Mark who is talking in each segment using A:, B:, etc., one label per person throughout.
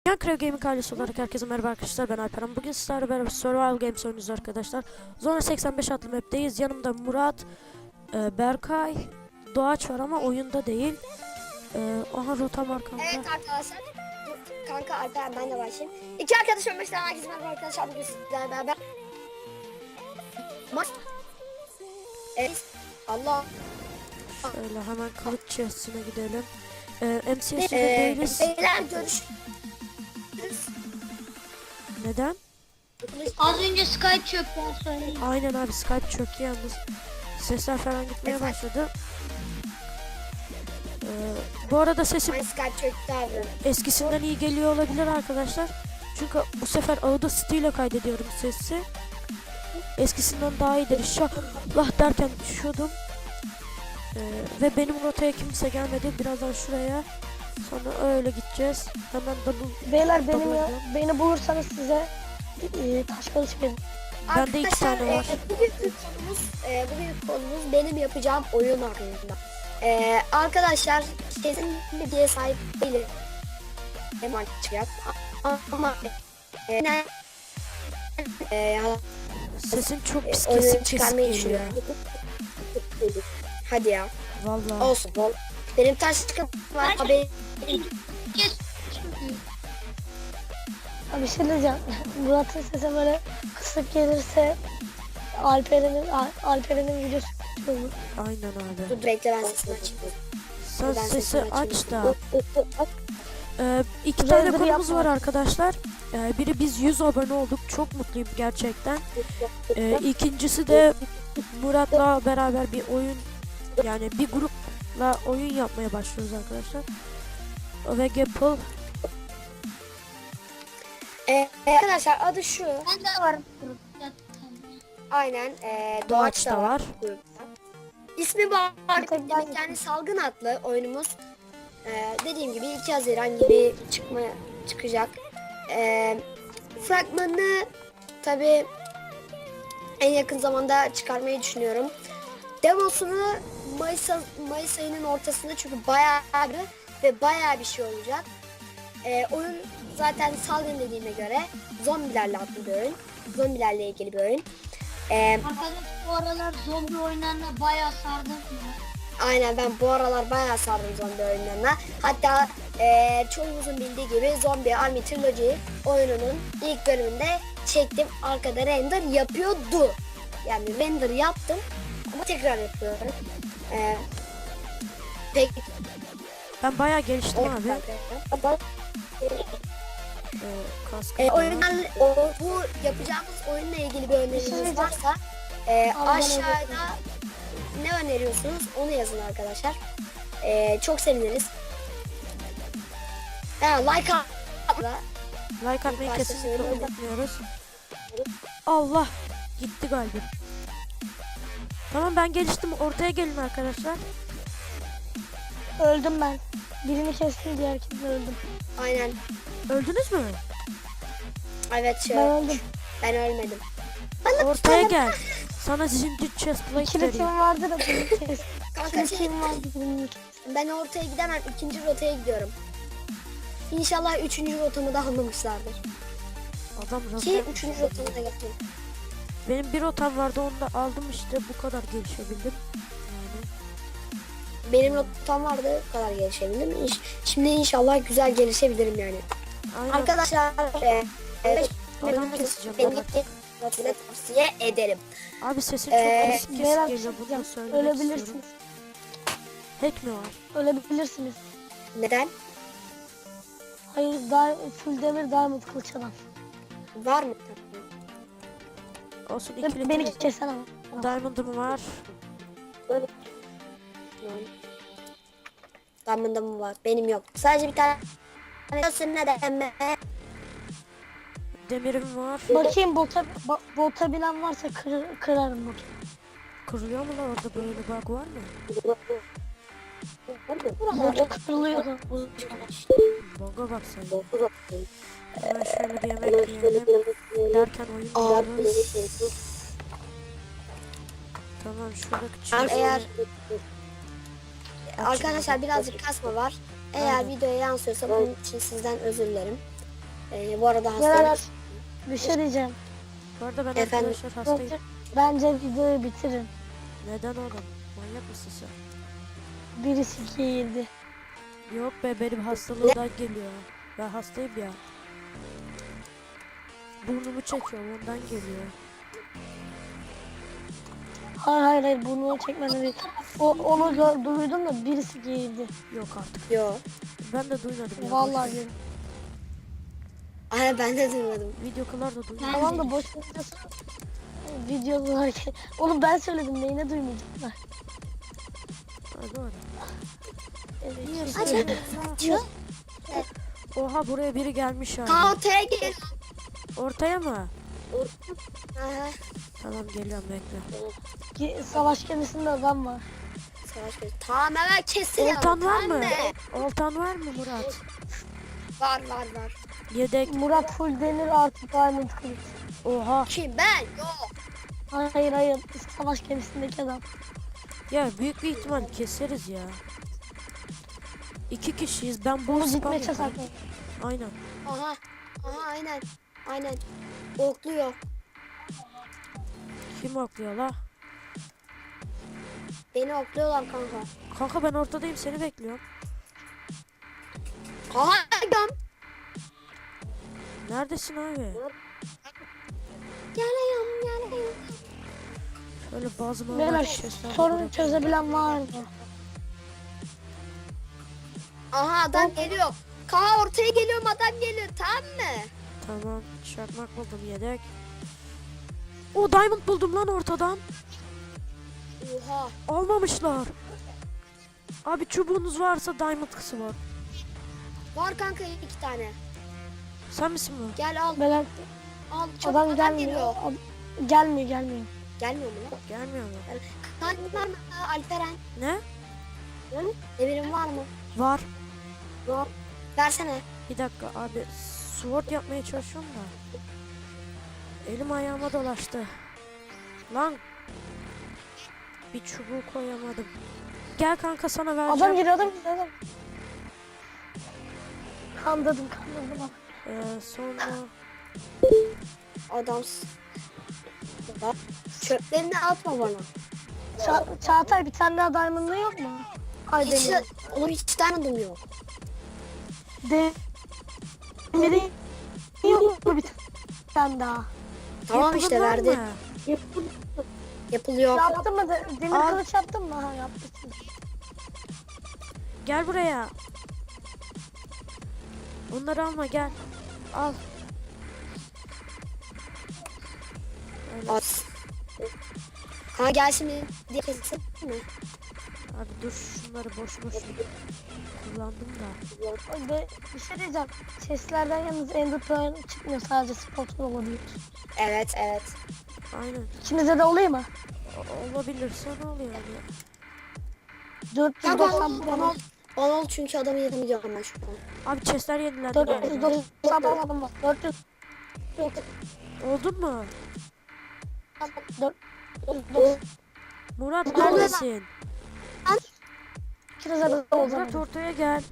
A: Minecraft Gaming ailesi olarak herkese merhaba arkadaşlar, ben Alperen. Bugün sizlerle beraber Survival Games oynuyoruz arkadaşlar. Zona 85 adlı map'teyiz. Yanımda Murat, Berkay, Doğaç var ama oyunda değil. Aha rota var kanka.
B: Evet arkadaşlar, kanka Alperen, ben de başlayayım. İki arkadaşım başlayan herkese merhaba arkadaşlar. Bugün sizlerle beraber maç. Evet, Allah.
A: Şöyle hemen kılıç chest'ine gidelim. MCS'de değiliz.
B: Beyler görüşürüz.
A: Neden?
C: Az önce Skype çöktü söyleyeyim.
A: Aynen abi, Skype çöktü yalnız. Sesler falan gitmeye başladı. Bu arada sesim
B: Ay Skype çöktü abi.
A: eskisinden iyi geliyor olabilir arkadaşlar. Çünkü bu sefer Audacity ile kaydediyorum sesi. Eskisinden daha iyidir inşallah derken düşüyordum. Ve benim rotaya kimse gelmedi. Birazdan şuraya. Sonra öyle gideceğiz. Hemen double.
D: Beyler
A: double
D: beni bulursanız size taş kılıç verin.
A: Bende 2 tane var.
B: Bugünkü konumuz benim yapacağım oyun hakkında. Arkadaşlar kesin bilgiye sahip değilim. Hemen çıkacak. Ama
A: Sesin çok pis
B: oyunu
A: kesik
B: çıkarmayı
A: geliyor.
B: düşünüyorum. Hadi ya.
A: Vallahi.
B: Olsun. Benim taş sıkıntım var. Abi.
D: Bir şey diyeceğim. Murat'ın sesi böyle kısık gelirse Alperen'in videosu kötü olur.
A: Aynen abi.
B: Dur bekle, ben sesini açayım.
A: Sen
B: Ben
A: sesi
B: sesini
A: aç
B: açayım.
A: da. 2 tane
D: Render
A: konumuz
D: yapma.
A: var arkadaşlar. Biri biz 100 abone olduk. Çok mutluyum gerçekten. İkincisi de Murat'la beraber bir oyun, yani bir grupla oyun yapmaya başlıyoruz arkadaşlar. Ve Gapple.
B: Arkadaşlar adı şu.
C: Ben de varım grupta.
B: Aynen.
A: Doğaç da var.
B: Grupta. İsmi Bağırtık demek, yani salgın adlı oyunumuz. Dediğim gibi 2 Haziran gibi çıkacak. Fragmanını tabi en yakın zamanda çıkarmayı düşünüyorum. Demosunu Mayıs ayının ortasında, çünkü bayağı bir şey olacak. Oyun zaten salgın dediğime göre zombilerle adlı bir oyun. Zombilerle ilgili bir oyun.
C: Arkadaş bu aralar zombi oyunlarına bayağı sardım ya.
B: Aynen, ben bu aralar bayağı sardım zombi oyunlarına. Hatta çoğumuzun bildiği gibi Zombie Army Trilogy oyununun ilk bölümünde çektim. Arkada render yapıyordu. Yani render yaptım ama tekrar yapıyorum. Peki.
A: Ben bayağı geliştim abi.
B: Bu yapacağımız oyunla ilgili bir öneriniz varsa aşağıda ne öneriyorsunuz onu yazın arkadaşlar. Çok seviniriz. Like atla.
A: Like atmayı
B: başta
A: kesinlikle
B: söylüyorum.
A: unutmuyoruz. Allah gitti galiba. Tamam, ben geliştim. Ortaya gelin arkadaşlar.
D: Öldüm ben. Birini kestim, diğer kimse öldüm.
B: Aynen.
A: Öldünüz mü?
B: Evet
D: Ben öldüm.
B: ben ölmedim.
A: Ortaya gel. Sana zincir chestplate
D: İkili
A: vereyim.
D: tim vardı da birini kestim.
B: Kanka
D: İkili tim vardı, birini kestim.
B: ben ortaya gidemem. İkinci rotaya gidiyorum. İnşallah üçüncü rotamı da anlamışlardır.
A: Adam
B: Ki
A: razı.
B: üçüncü rotamı da getireyim.
A: Benim bir rotam vardı, onu da aldım işte, bu kadar gelişebildim. Yani.
B: Benim rotam vardı, bu kadar gelişebildim. Şimdi inşallah güzel gelişebilirim yani.
A: Aynen.
B: Arkadaşlar
A: Adamı keseceğim
B: benim
A: ben.
B: rotayı tavsiye ederim.
A: Abi sesin
B: Ee,
A: çok kesik
D: Merak
A: geliyor, bunu da
D: ettim.
A: söylemek istiyorum.
D: Ölebilirsiniz.
A: Hack mi var?
D: Ölebilirsiniz.
B: Neden?
D: Hayır, full demir diamond kılıç adam.
B: Var mı?
A: Olsun,
D: Ve
A: ikili
D: beni
A: tim.
D: kesen ama.
A: Diamond'ım var.
B: Diamond'da mı var? Benim yok. Sadece bir tane. Neden mi?
A: Demirim var.
D: Bakayım bota bilen varsa kırarım botu.
A: Kırılıyor mu lan orada, böyle bug var mı?
D: Bot kırılıyor.
A: Bug'a bak sen. Hemen şöyle bir yemek yiyelim. Derken oyun diyoruz. Tamam, şuradaki
B: Eğer
A: Açın.
B: arkadaşlar birazcık kasma var. Eğer
A: Aynen.
B: videoya yansıyorsa bunun için sizden özür dilerim. Bu arada
D: Beyler
B: hastayım.
D: bir şey diyeceğim.
A: Bu arada ben
B: Efendim?
A: arkadaşlar hastayım.
D: Bence videoyu bitirin.
A: Neden oğlum? Manyak mısın sen?
D: Birisi girdi.
A: Yok be, benim hastalığımdan geliyor. Ben hastayım ya. Burnumu çekiyorum, ondan geliyor.
D: Hayır bunu çekmeden değil. Onu duydum da birisi girdi.
A: Yok artık.
B: Yo.
A: Ben de duymadım ya.
D: Vallahi
A: boş ver.
D: girdi.
B: Ay ben de duymadım.
A: Videolar da duymadım.
D: Tamam da boş videosu. Videolar. Oğlum ben söyledim neyine duymayacaklar.
A: Ha, doğru.
D: Evet.
A: Niye
B: Aç,
A: söylüyorsun? Oha, buraya biri gelmiş abi.
B: Kaan ortaya gel.
A: Ortaya mı?
B: Aha.
A: Tamam, geliyorum, bekle.
D: Savaş gemisinde adam var.
B: Savaş gözü. Tamam hemen kesin.
A: Oltan var mı? Oltan var mı Murat?
B: Var.
A: Yedek.
D: Murat full demir artı diamond kılıç.
A: Oha.
B: Kim ben? Yok.
D: Hayır. Savaş gemisindeki adam.
A: Ya büyük bir ihtimal keseriz ya. 2 kişiyiz. Ben
D: Bunu
A: bol spam
D: gitmeye
A: yapıyorum.
D: çalışıyor.
A: Aynen.
B: Aha aynen. Okluyor.
A: Kim okluyor la?
B: Beni okluyorlar kanka.
A: Kanka ben ortadayım, seni bekliyorum.
B: Aha adam.
A: Neredesin abi?
B: Geliyorum.
A: Şöyle bazı
D: Beyler
A: normal sesler.
D: sorunu çözebilen var mı?
B: Aha adam geliyor. Kaan ortaya geliyorum, adam geliyor, tamam mı?
A: Tamam, çakmak buldum, yedek. O diamond buldum lan ortadan.
B: Oha.
A: Almamışlar. Abi çubuğunuz varsa diamond kısı var.
B: Var kanka 2 tane.
A: Sen misin bu?
B: Gel al.
D: Beyler
B: Al. Çabuk
D: adam
B: adam
D: gelmiyor.
B: geliyor.
D: Gelmiyor.
B: Gelmiyor mu lan?
A: Gelmiyor mu?
B: Kanka var mı? Alperen.
A: Ne?
B: Demirin var mı?
A: Var.
B: Yok. Versene.
A: Bir dakika abi, sword yapmaya çalışıyorum da. Elim ayağıma dolaştı. Lan. Bir çubuğu koyamadım. Gel kanka, sana vereceğim.
D: Adam geliyor. Kandırdım.
A: Sonra
B: Adamsın. Bak. Çöplerini atma bana.
D: Çağatay bir tane daha diamond'ın yok mu? Ay
B: Hiç,
D: demir.
B: oğlum hiç tanıdım yok.
D: Demirin yok mu bir tane daha?
B: Tamam işte
A: yapılır
B: verdi.
A: mı?
B: Yapılıyor.
D: Yaptın mı? Demir
A: Al.
D: kılıç yaptın mı? Ha yapmışsın.
A: Gel buraya. Onları alma, gel. Al. Öyle.
B: At. Kanka gel şimdi diye kesin mi?
A: Abi dur, şunları boş kullandım da.
D: Bir şey diyeceğim. Seslerden yalnız Ender Pearl çıkmıyor. Sadece spotun olabilir.
B: Evet.
A: Aynen.
D: İkinize de olayım mı?
A: Olabilirse ne oluyor yani?
D: 490
B: Ya bana ol çünkü adamı yenemeyeceğim ben şu an.
A: Abi chestler yenilendi galiba.
D: 490 adam var. 400
A: Oldun mu?
D: 400
A: Murat
B: Ne oluyor
A: neredesin?
D: İkinize de
A: Murat
D: olacak.
A: ortaya gel.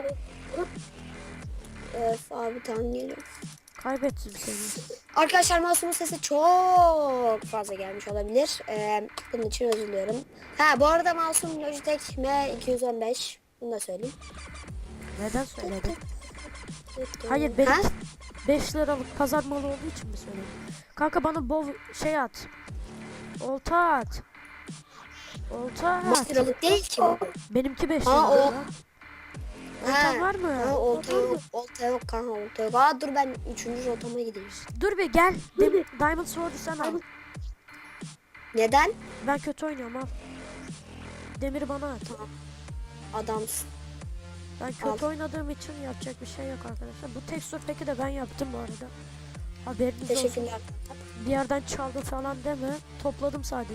B: Abi tamam geliyor.
A: Kaybettim seni.
B: Arkadaşlar mouse'umun sesi çok fazla gelmiş olabilir. Bunun için özür diliyorum. Ha bu arada mouse'um Logitech M215. Bunu da söyleyeyim.
A: Neden söyledin? Hayır, benim
B: Ha?
A: 5 liralık pazar malı olduğu için mi söyledin? Kanka bana bol şey at. Olta at. Olta
B: 5
A: at.
B: liralık değil ki bu.
A: Benimki 5
B: Ha,
A: lira.
B: o-
A: ya. Oltan var mı?
B: Ha, olta yok. Olta yok kanka, olta yok. Aa dur ben 3. rotama gideyim.
A: Dur bir gel. Diamond Sword'u sen al.
B: Neden?
A: Ben kötü oynuyorum, al. Demiri bana at.
B: Adamsın.
A: Ben kötü oynadığım için yapacak bir şey yok arkadaşlar. Bu tekstür peki de ben yaptım bu arada. Haberiniz olsun.
B: Teşekkürler.
A: Bir yerden çaldım falan deme. Topladım sadece.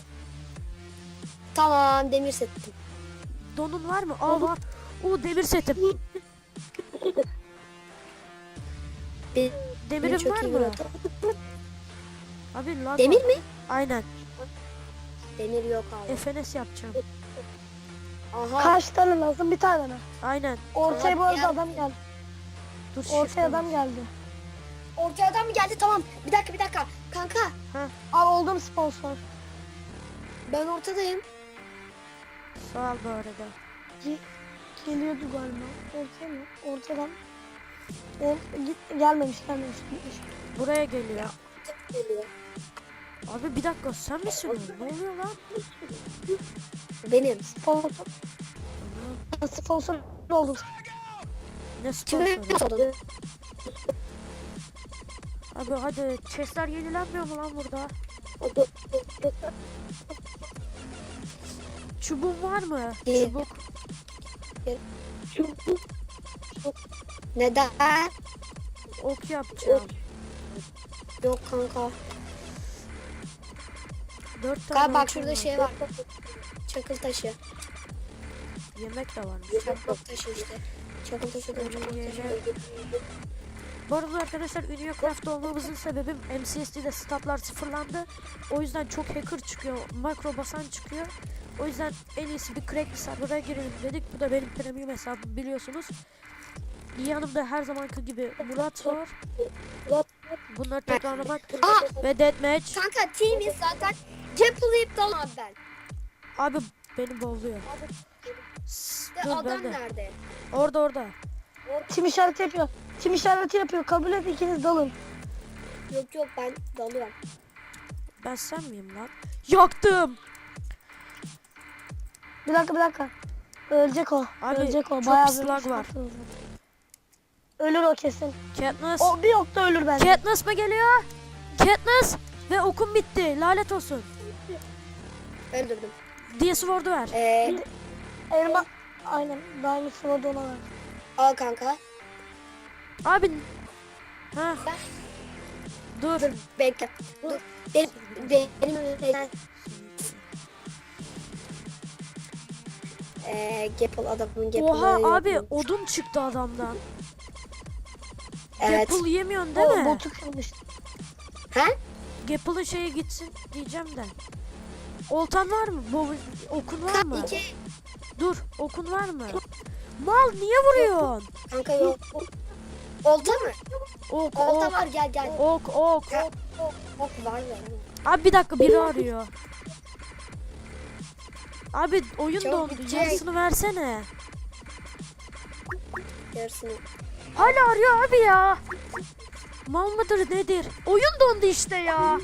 B: Tamam demir settim.
A: Donun var mı? Aa var. O demir setim.
B: Benim
A: Demirin
B: çok
A: var
B: iyi bir
A: mı?
B: rota.
A: Abi lag
B: Demir
A: var.
B: mi?
A: Aynen.
B: Demir yok abi.
A: FNS yapacağım.
B: Aha.
D: Kaç tane lazım? Bir tane mi?
A: Aynen.
D: Ortaya bu arada
B: Tamam,
D: adam geldi.
A: Dur
D: Ortaya
A: shift'e
D: adam
A: bas.
D: geldi.
B: ortaya adam mı geldi? Tamam. Bir dakika. Kanka
D: Al oldum sponsor.
B: ben ortadayım.
A: Sağ ol bu arada.
D: Geliyordu galiba. Ortaya mı? Ortadan. Gelmemiş. Gitmiş.
A: Buraya geliyor.
B: Geliyor.
A: Abi bir dakika sen misin o? Ne oluyor lan?
B: Benim.
D: Sponsor oldum.
A: Ne
B: Kimi
A: sponsoru?
B: oldun?
A: Abi hadi chestler yenilenmiyor mu lan burada? Çubuğun var mı?
B: İyi.
A: Çubuk.
B: Neden?
A: Ok yapacağım.
B: Yok kanka.
A: 4 tane
B: Kanka bak
A: okum
B: şurada
A: var.
B: şey var. Çakıl taşı.
A: Yemek de varmış.
B: Çakıl taşı işte. Çakıl taşı diyorum, çakıl taşı.
A: Bu arada arkadaşlar UnioCraft olmamızın sebebi MCSD'de statlar sıfırlandı. O yüzden çok hacker çıkıyor. Makro basan çıkıyor. O yüzden en iyisi bir crack bir server'a girelim dedik. Bu da benim premium hesabım biliyorsunuz. Yanımda her zamanki gibi Murat var. Bunları tekrarlamak ve deathmatch.
B: Kanka teamiz zaten. Ceplayıp dalan ben.
A: Abi beni boğuluyor.
B: De
A: Dur
B: adam
A: ben de.
B: nerede?
A: Orada.
D: Tim işareti yapıyor. Kabul et, ikiniz dalın.
B: Yok ben dalıyorum.
D: E,
A: Ben sen miyim lan? Yaktım.
D: Bir dakika. Ölecek o.
A: Abi,
D: Ölecek o.
A: çok
D: Bayağı
A: pis
D: bir
A: lag var.
D: sıkıntı Ölür o kesin.
A: Katniss.
D: O bir okta ölür bence.
A: Katniss mı geliyor? Katniss ve okum bitti. Lanet olsun.
B: Öldürdüm.
A: DS Ward'u ver.
D: Elma. Aynen. Diamond Sword'u ona ver.
B: Al kanka.
A: Abi. Ha. Dur.
B: Dur bekle. Dur. Benim önümden. Gapple adamın Gapple'ı
A: Oha
B: yok
A: abi
B: mu?
A: odun çıktı adamdan.
B: Evet.
A: Gapple yemiyorsun değil
D: O
A: mi?
D: botu kırmış.
B: Ha?
A: Gapple'ın şeyi gitsin diyeceğim de. Oltan var mı? Okun var mı?
B: İki.
A: Dur okun var mı? Mal niye vuruyorsun?
B: Kanka yok. Olta mı?
A: Ok
B: Olta
A: ok.
B: var gel.
A: Ok.
B: Ok var ya.
A: Abi bir dakika biri arıyor. Abi oyun
B: Çabuk
A: dondu.
B: bitecek.
A: Yarısını versene.
B: Yarısını.
A: Hala arıyor abi ya. Mal mıdır nedir? Oyun dondu işte ya.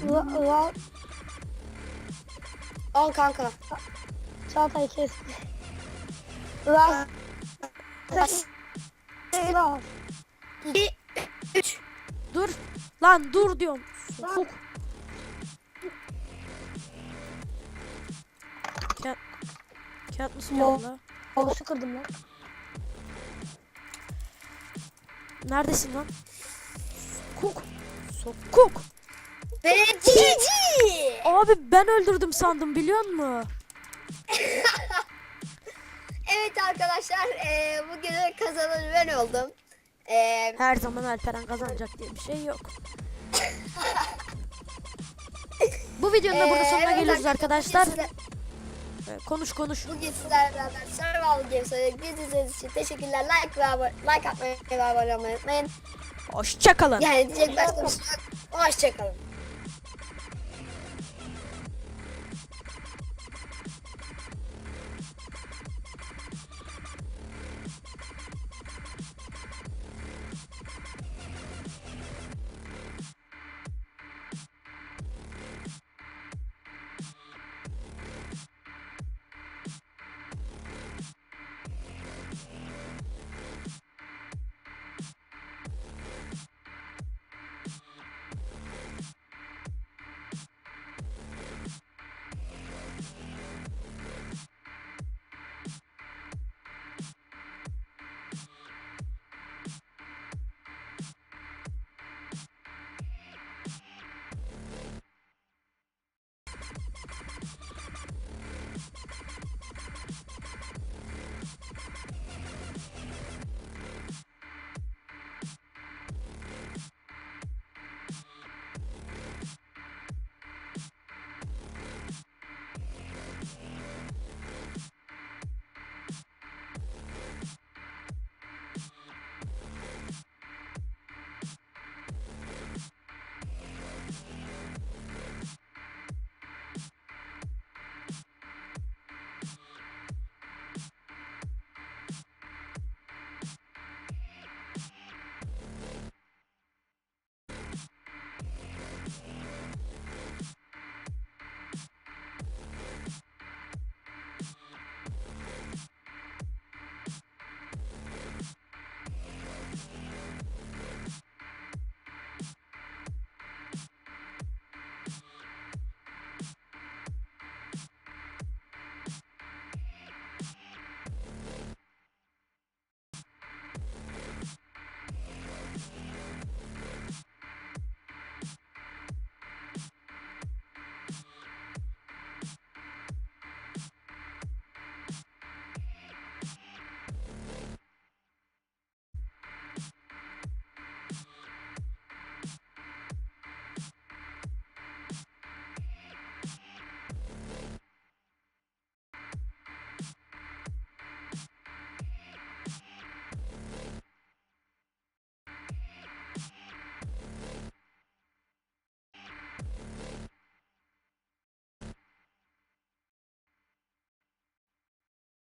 B: Al kanka.
D: Çağatay kesti. Raz.
B: Bas.
D: Raz.
B: 2 3.
A: Dur. Lan dur diyorum. Sokuk. Katniss
D: Mo-
A: geldi la.
D: Havuçu kırdım lan.
A: Neredesin lan? Sokuk. Sokuk.
B: Ve GG.
A: Abi ben öldürdüm sandım biliyor musun?
B: Evet arkadaşlar bugünün kazananı ben oldum.
A: Her zaman Alperen kazanacak diye bir şey yok. Bu videonun da burada sonuna
B: evet
A: geliyoruz arkadaşlar. Konuş.
B: Bugün sizlerle beraber Survival Games oynadık. Bizi izlediğiniz için teşekkürler. Like atmayı ve abone olmayı unutmayın.
A: Hoşça kalın.
B: Yani diyecek başka bir şey yok. Hoşçakalın.